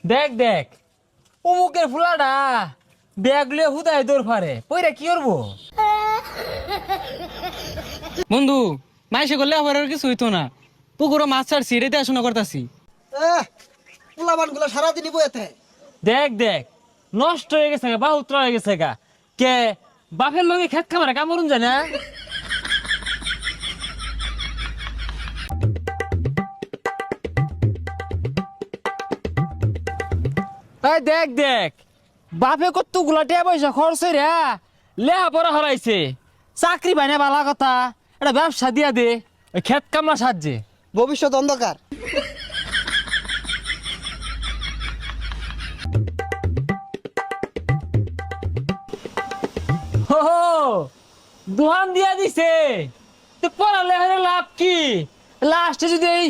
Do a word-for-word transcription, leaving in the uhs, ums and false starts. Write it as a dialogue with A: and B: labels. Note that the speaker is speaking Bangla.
A: দেখ দেখ অমুকের ফুলাটা ব্যাগ লিয়ে হুদায় দৌড় ফারে পইরা কি করবো?
B: বন্ধু মাইসে করলে আবার আর কিছু হইতো না, পুকুরও মাছ ছাড়ছি, রেতে আসনা করতাছি।
C: পোলাবান গুলো সারাদিনই বইতে।
A: দেখ দেখ নষ্ট হয়ে গেছে গা, বাহুত্র হয়ে গেছে গা। কে বাপের লগে খেত খামারে কামড়ুন যায় না? এই দেখ দেখ বাপে কত গুলাটিয়া পয়সা খরচ রে লেহা পড়া হারাইছে, চাকরি পাই না বালা কথা, এটা ব্যবসা দিয়া দে ওই খেত কামলা সাহায্যে।
C: ভবিষ্যৎ অন্ধকার।
A: হো হো, দোহান দিয়া দিছে তো পড়ালে লাভ কি? লাস্টে যদি এই